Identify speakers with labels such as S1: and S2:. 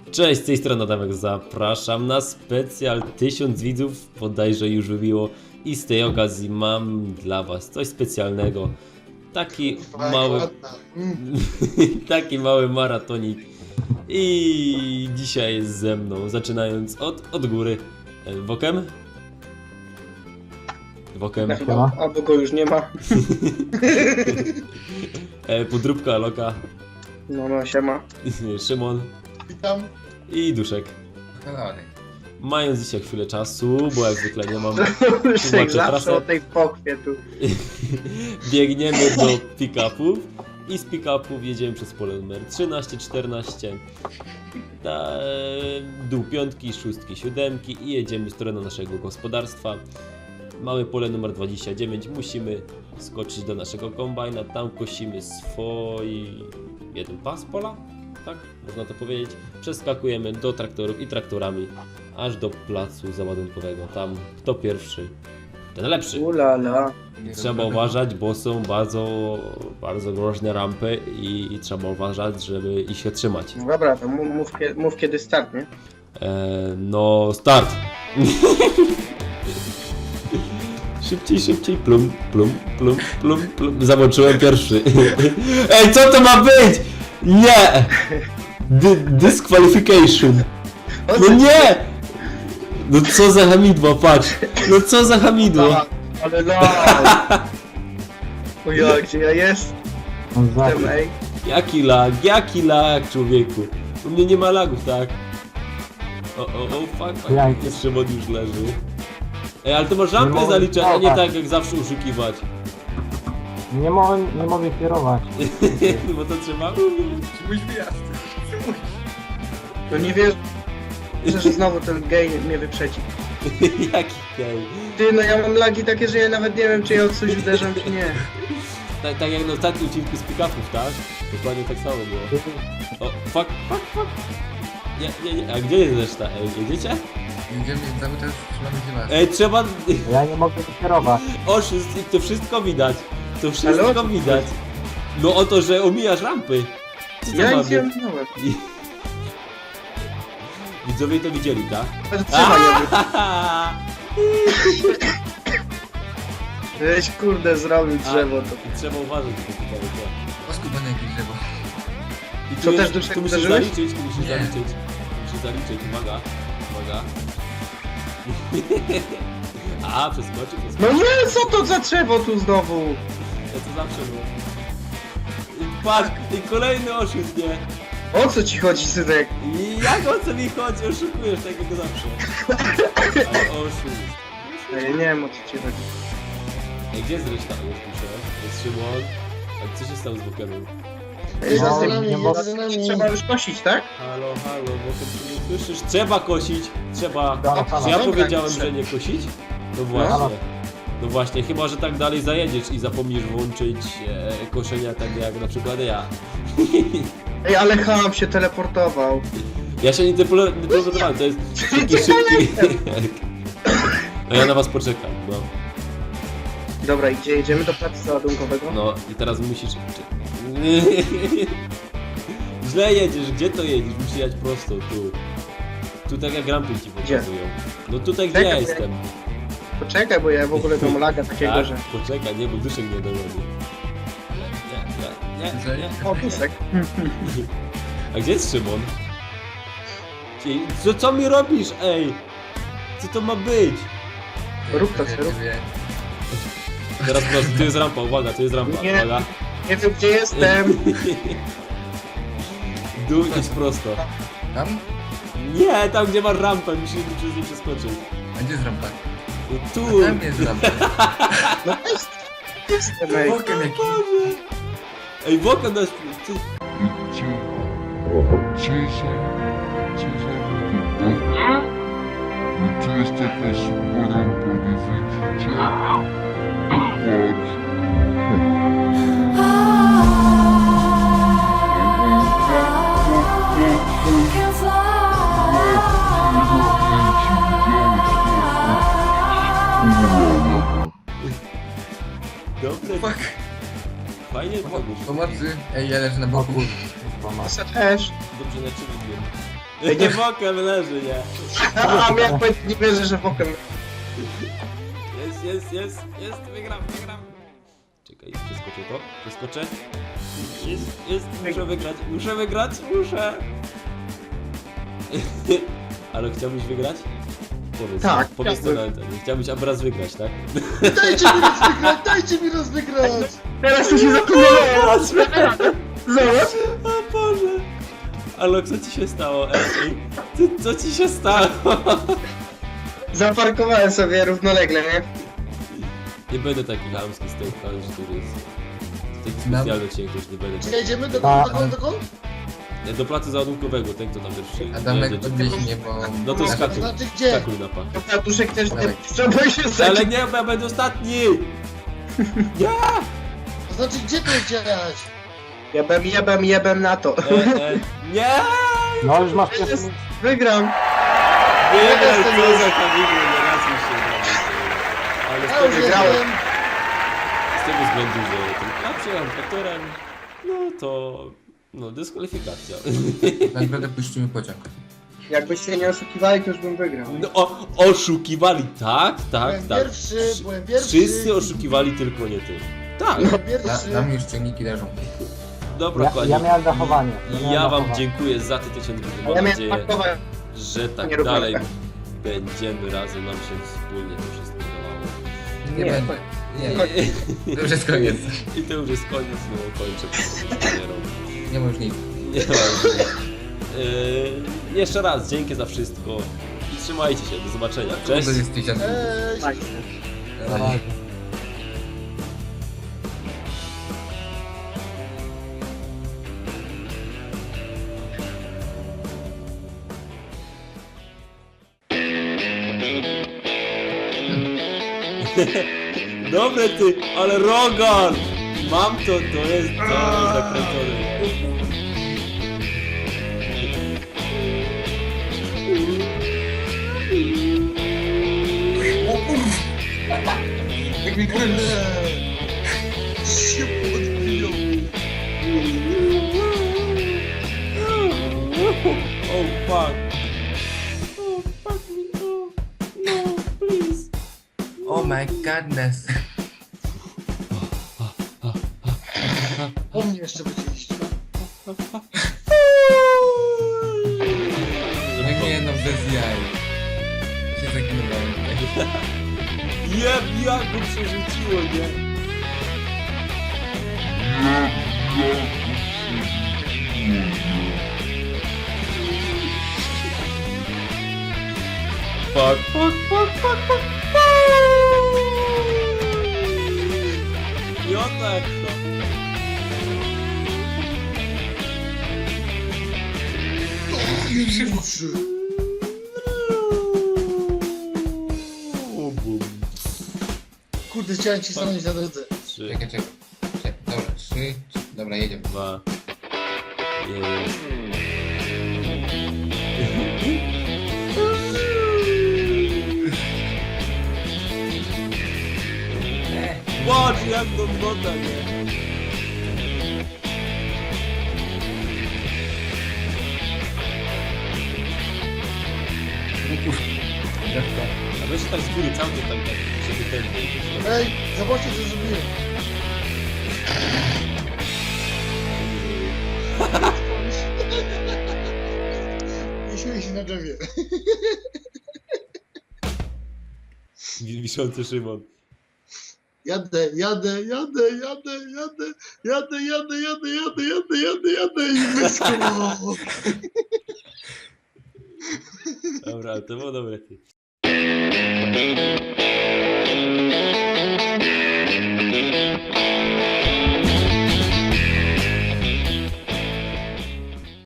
S1: Cześć, z tej strony Adamek, zapraszam na specjal 1000 widzów, bodajże już wybiło i z tej okazji mam dla was coś specjalnego. Taki mały, taki mały maratonik i dzisiaj jest ze mną, zaczynając od góry. Wokem? Wokem.
S2: Albo go już nie ma.
S1: Podróbka, Loka,
S2: No, siema.
S1: Szymon.
S3: Witam.
S1: I Duszek. Mając dzisiaj chwilę czasu, bo jak zwykle nie mam
S2: Zawsze
S1: trasę,
S2: o tej pochwie tu.
S1: biegniemy do pick-upów i z pick-upów jedziemy przez pole numer 13, 14, dół 5, 6, 7 i jedziemy w stronę naszego gospodarstwa. Mamy pole numer 29, musimy skoczyć do naszego kombajna, tam kosimy swój jeden pas pola, tak można to powiedzieć. Przeskakujemy do traktorów i traktorami aż do placu załadunkowego. Tam kto pierwszy, ten lepszy.
S2: Ulala.
S1: Trzeba uważać, bo są bardzo groźne rampy i trzeba uważać, żeby ich się trzymać.
S2: No dobra, to mów kiedy start, nie?
S1: No start! Szybciej, plum, plum, plum, plum, plum. Załączyłem pierwszy. Ej, co to ma być? Nie! Disqualification. No nie! No co za hamidło, patrz. No co za hamidło.
S2: Ale no! O ja, gdzie ja jestem, ej?
S1: Jaki lag, człowieku. U mnie nie ma lagów, tak? Fuck. Jest Szymon już leży. Ej, ale to masz rampę zaliczać, a nie tak jak zawsze oszukiwać.
S4: Nie mogę kierować.
S1: Bo to trzeba.
S3: Mój wyjazd.
S2: No nie wiesz, że znowu ten gej mnie wyprzedzi.
S1: Jaki gej.
S2: Ty, no ja mam lagi takie, że ja nawet nie wiem, czy ja od coś uderzam, czy nie.
S1: Tak jak na ostatnim odcinku z pick-upów, tak? Dokładnie tak samo było. O, fuck. Nie, a gdzie jest reszta? Ej, jedziecie?
S3: Jedziemy cały czas, trzymamy się was.
S1: Ej, trzeba...
S4: Ja nie mogę kierować.
S1: Oszust, to wszystko widać. To wszystko widać. No o to, że omijasz rampy. Co to
S2: Ja
S1: ma
S2: nic nie
S1: być?
S2: ominąłem.
S1: Widzowie to widzieli, tak?
S2: Trzeba Żeś kurde zrobił drzewo to.
S1: I trzeba uważać na to tutaj.
S3: Oskubane jakieś drzewo.
S1: I
S2: Co, też Duszek
S1: tu musisz
S2: uderzyłeś?
S1: zaliczyć,
S3: Nie.
S1: Musisz zaliczyć, uwaga. A, przeskoczył.
S2: No nie, co to za drzewo tu znowu?
S1: Ja to zawsze było. I patrz, i kolejny oszust, nie?
S2: O co ci chodzi, synek?
S1: I jak o co mi chodzi? Oszukujesz tak jak zawsze. Ale oszust.
S2: Ja nie wiem, o co ci chodzi.
S1: Ej, gdzie jest reszta? Już piszę. Jest Szymon. A co się stało z Wokerem?
S4: nie mogę.
S2: Trzeba już kosić, tak?
S1: Halo, Woker, czy nie słyszysz? Trzeba kosić! Trzeba...
S4: Halo.
S1: Czy ja
S2: Dobra,
S1: powiedziałem,
S2: trzeba.
S1: że nie kosić? No właśnie. No właśnie, chyba że tak dalej zajedziesz i zapomnisz włączyć koszenia tak jak na przykład ja.
S2: Ej, ale Ham się teleportował.
S1: Ja się nie teleportowałem, to jest taki szybki. No ja na was poczekam, no.
S2: Dobra, i gdzie jedziemy do placu załadunkowego?
S1: No i teraz musisz... Źle jedziesz, gdzie to jedziesz? Musisz jechać prosto, tu. Tu tak jak rampy ci pokazują. No tutaj gdzie ja
S2: Czekaj,
S1: jestem.
S2: Poczekaj, bo ja w ogóle mam laga takiego,
S1: Tak,
S2: że...
S1: poczekaj, nie, bo Duszek nie dowodzi. Nie.
S2: O, Dusek.
S1: A gdzie jest Szymon? Co mi robisz, ej? Co to ma być?
S2: Rób to, rób.
S1: Teraz prosto, tu jest rampa, uwaga, tu jest rampa,
S2: Nie.
S1: uwaga.
S2: Nie wiem, gdzie jestem.
S1: Dół idź prosto.
S3: Tam?
S1: Nie, tam gdzie masz rampę, musisz przez nie przeskoczyć.
S3: A gdzie jest rampa?
S1: No
S3: A
S1: tu!
S3: tam jest rampa.
S2: No jestem, ej.
S3: Bokiem jaki.
S1: Ej, Woka nas... Ty...
S5: Tu jest taka super rampa, nie widzicie? Patrz.
S6: Can
S1: Dobre,
S3: Fuck.
S1: fajnie to robisz.
S3: Pomocy. Ej, ja leżę na boku.
S2: Ja też.
S1: Dobrze na ciebie wiem.
S2: Nie
S1: Bokiem leży, nie?
S2: A miałem powiedzieć, nie wierzę, że bokiem.
S1: Jest, wygram. Czekaj, przeskoczę to, przeskoczę. Jest, muszę wygrać. Ale chciałbyś wygrać? Powiedz,
S2: Tak,
S1: powiedz to
S2: chciałbym.
S1: na antenie. Chciałbyś Abraz wygrać, tak?
S7: Dajcie mi raz wygrać!
S2: Teraz to się zapomniałem. Zobacz.
S1: O Boże! Ale co ci się stało, Ej? Co ci się stało?
S2: Zaparkowałem sobie równolegle, nie?
S1: Nie będę taki chamski z tej planszy, który jest... Taki specjalny odcinek już nie będę.
S7: Czy jedziemy do
S4: Tak.
S7: dokąd?
S1: Nie, do placu załadunkowego, ten kto tam pierwszy.
S3: Adamek
S1: jedzie.
S3: podwieź mnie, bo...
S1: No to skakuj,
S7: Znaczy gdzie?
S1: skakuj na pach.
S2: Tatuszek też
S3: Dawaj.
S2: trzeba się
S1: Ale
S2: zacząć.
S1: nie, bo ja będę ostatni!
S7: To znaczy gdzie tu jechać?
S2: Jebem na to.
S1: Nie!
S4: No już masz pierwszy...
S2: Wygram.
S1: Wygraj, co za kamienie, nie raz mi się udało. Ale
S7: Ja już jestem.
S1: z tego względu, że ten przyjechał traktorem, no to... No, dyskwalifikacja.
S3: Nagrodę puścimy pociąg.
S2: Jakbyście nie oszukiwali, to już bym wygrał.
S1: No, oszukiwali, tak.
S7: Byłem pierwszy.
S1: Wszyscy oszukiwali, tylko nie ty. Tak,
S7: Byłem pierwszy.
S3: Nam już ciągniki leżą.
S1: dobra,
S4: Ja
S1: kochani.
S4: miałem dachowanie.
S1: Ja wam dziękuję za te 1000 widzów.
S2: Ja
S1: Mam
S2: miałem
S1: nadzieję,
S2: pakować.
S1: że tak
S2: Nie rób
S1: dalej
S2: tak.
S1: będziemy razem, nam się wspólnie to wszystko udawało.
S3: Nie
S2: Nie,
S3: będzie. Nie, to już jest koniec.
S1: I to już jest koniec, no kończę po prostu karierą.
S3: Nie ma już nic.
S1: Nie ma już nic. Jeszcze raz dzięki za wszystko i trzymajcie się, do zobaczenia. Cześć!
S3: To jest 1000.
S7: Cześć.
S4: Na razie.
S1: Dobre ty, ale Rogan! Mam to, to jest zakręcone.
S3: Jak mi kręci.
S7: Się podbiją.
S1: Oh fuck. Oh fuck me, no, please.
S3: Oh my godness.
S7: Po mnie jeszcze będzie iść.
S3: No nie no, bez jaj. Się zakinowałem tutaj.
S1: Jak go przerzuciło, nie? Fuck. Piotrek, to...
S7: Kurde, chciałem ci stanąć na drodze.
S1: 3,
S3: Czekaj. Dobra, 3. Dobra, jedziemy.
S1: 2, 1. Patrz jak to wygląda, nie? A weź tak z góry cały czas tak, żeby ten...
S7: Ej, zobaczcie co zrobiłem. Jeśli się na drzewie.
S1: Wiszący Szymon.
S7: Jadę i wyskoczyło.
S1: Dobra, to było dobre ty.